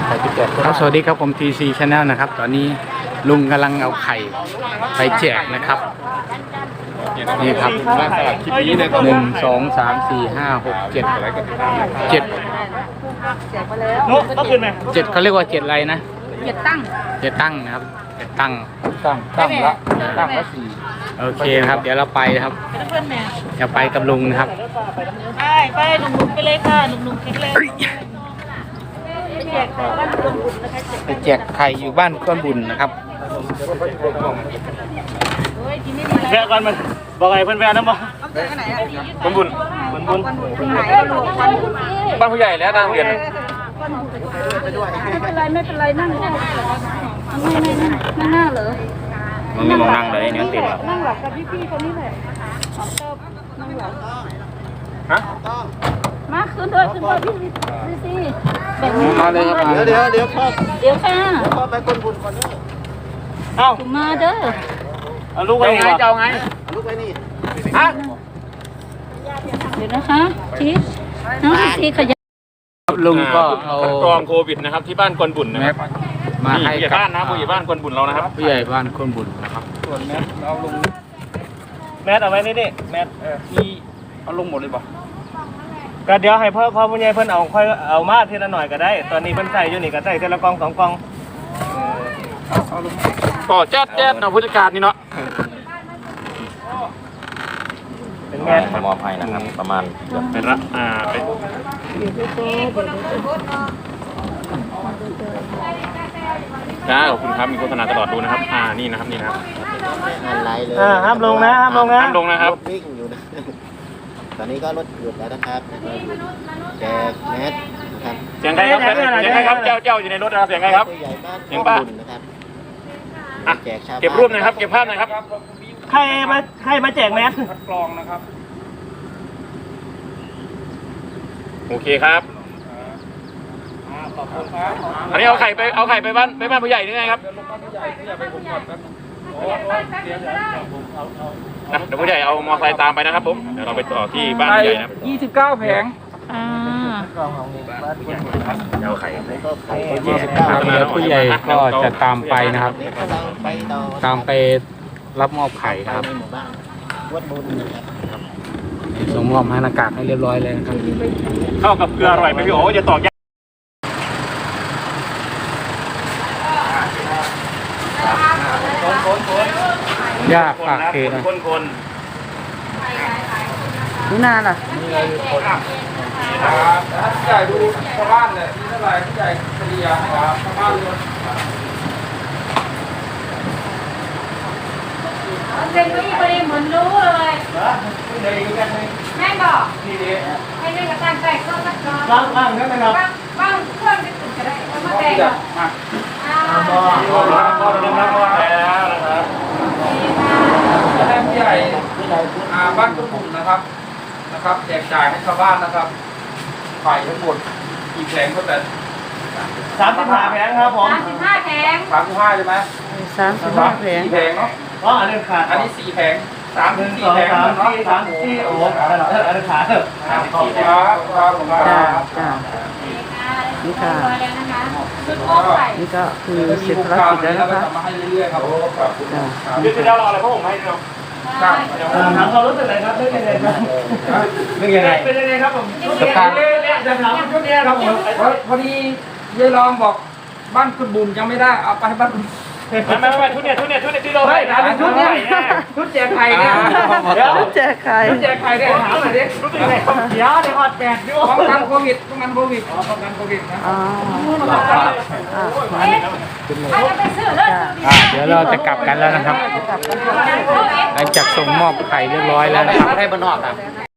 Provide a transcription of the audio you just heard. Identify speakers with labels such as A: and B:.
A: ครับสวัสดีครับผม TC Channel นะครับตอนนี้ลุงกำลังเอาไข่ไปแจกนะครับนี่ครับ1 2 3 4 5 6 7 7
B: ก็คืนไหม
A: 7เขาเรียกว่า7อะไรนะ
C: 7 ตั้ง
A: นะครับ7ตั้ง
B: ละ4
A: โอเคครับเดี๋ยวเราไปนะครับจะไปกับลุงนะครับ
C: ไปหนุ่มๆไปเลยค่ะหนุ่มๆคิดเลย
A: ไปแจกไข่อยู่บ้านก้อนบุญนะครับ
B: แวะก่อนมันบอกไงเพื่อนแวะนะบอกก้อนบุญบ้านผู้ใหญ่แล้วนางเรียน
C: ไม่เป็นไรนั่งได้ไม่น่าเหรอ
A: มันไม่มองนั่งเลยเนี่ยเต็มแล้ว
C: นั่งหลับกับพี่ๆคนนี้แหละนั่งหลับ
B: ฮะ
C: มาขึ้นด้วยพี่สิแบบนี้
A: มาเลยครับ
B: เดี๋ยวพ่อ
C: ค่ะ
B: พ่อไปก้นบุญก่อนเด้อ
C: มาเด้อ
B: เอาลูกไปไงเจ้าไงลูกไปนี่ฮะ
C: เดี๋ยวนะคะชีสน้องชีขยัน
A: ลุงก็เอา
B: กรองโควิดนะครับที่บ้านก้นบุญนะครับ
A: มาให้
B: ผู้ใหญ่บ้านนะผู้ใหญ่บ้านก้นบุญเรานะครับ
A: ผู้ใหญ่บ้านก้นบุญนะครับ
B: ส่วนแมสเอาลงแมสเอาไว้นี่แมสมีเอาลงหมดเลยป่ะก็เดี๋ยวให้พ่อผู้ใหญ่เพิ่นเอาค่อยเอามาทีละหน่อยก็ได้ตอนนี้เพิ่นใส่อยู่นี่ก็ใส่ทีละกอง2 กองก็แจ๊ดเนาะผู้จัดการนี่เนาะเป็นแมส
D: มอบให้นะครับประมาณ
B: เป็นเป็นขอบคุณครับมีโฆษณาตลอดดูนะครับนี่นะครับ
D: ไลฟ์เลย
B: ห้ามลงนะครับ
D: วิ่งอยู่นะตอนนี้ก็รถหยุดแล้วนะครับแจกแมสนะครับ
B: เสียงใครครับเจ้าอยู่ในรถนะครับเสียงใครครับ
D: เสียงป้านะครับ
B: แจกเก็บรูปนะครับเก็บภาพนะครับใครมาแจกแมสกรองนะครับโอเคครับอันนี้เอาไข่ไปบ้านผู้ใหญ่นี่ไงครับเดี๋ยวผู้ใหญ่เอามอเตอร์ไซค์ตามไปนะครับผมเดี๋ยวเราไปต่อที่บ้านผู้ใหญ่นะ
A: 29 แผง
B: เอาไข่
A: ผู้ใหญ่ก็จะตามไปนะครับตามไปรับมอบไข่นะครับส่งมอบให้หน้ากากให้เรียบร้อยเลยนะครับ
B: เข้ากับเกลืออร่อยไหมพี่โอ๋จะตอก
A: ยากปากเกนะ
C: นี่นานล่ะ
A: นี่เราอยู่คนถ้าผู้ใหญ่ดูชาวบ้านเนี่ยมีเท่าไหร่ผู้ใหญ่เฉลี่ยนะครับชาวบ้านเลย
C: เป็นผู้หญิงเหมือนรู้เลยแม่บอกให้เล่นกับการแต่งก็สักก่อน
B: บ้างนั่นนะครับ
C: บ้างเพื่อนไปถึงจะได้มาแต่ง
B: แล้วนะครับ
A: และผู้ใหญ่บ้านตุ้มบุ่มนะครับแจกจ่ายให้ชาวบ้านนะครับไข่ทั้งหมดกี่แผงก็แต่
B: 35 แผงครับผม
C: 35 แผง
A: 35ใช่ไหม
C: 35 แผง
A: 4 แผงเนาะ
B: อันนี้ขาด
A: อันนี้4 แผง3-4 แผง
B: เนาะ3-4โอ้อันนี้ขาด
A: ขอบคุณครับ
C: นี่ค่ะนี่ก็คือเสร็จภารกิจแล้วนะคะ
A: มาให้เรื่อยๆครับ
B: ยืดเดียวเราอะไรพวกผมให้เราถามเขารู้สึกอะไรครับเรื่องยังไงครับเป็นยังไงครับผมจะถามชุดนี้ครับผม
A: พอดียายรองบอกบ้านคุณบุญยังไม่ได้เอาไปบ้านคุณ
B: ไม่ชุดนี้ที่เราให้
A: ชุดนี้ชุดแจกไข่เนี่ย
C: ชุดแจกไข่
A: เนี่ยถามหน่อยดิ
B: รู้สึกยังไงเดี๋ยวฮอตแปดด้วย
A: ป้องกันโควิดนะ
C: ถ้าจะไปซื้อเลย
A: เดี๋ยวเราจะกลับกันแล้วนะครับหลังจากส่งมอบไข่เรียบร้อยแล้วนะครับ
D: ให้บ้านนอกครับ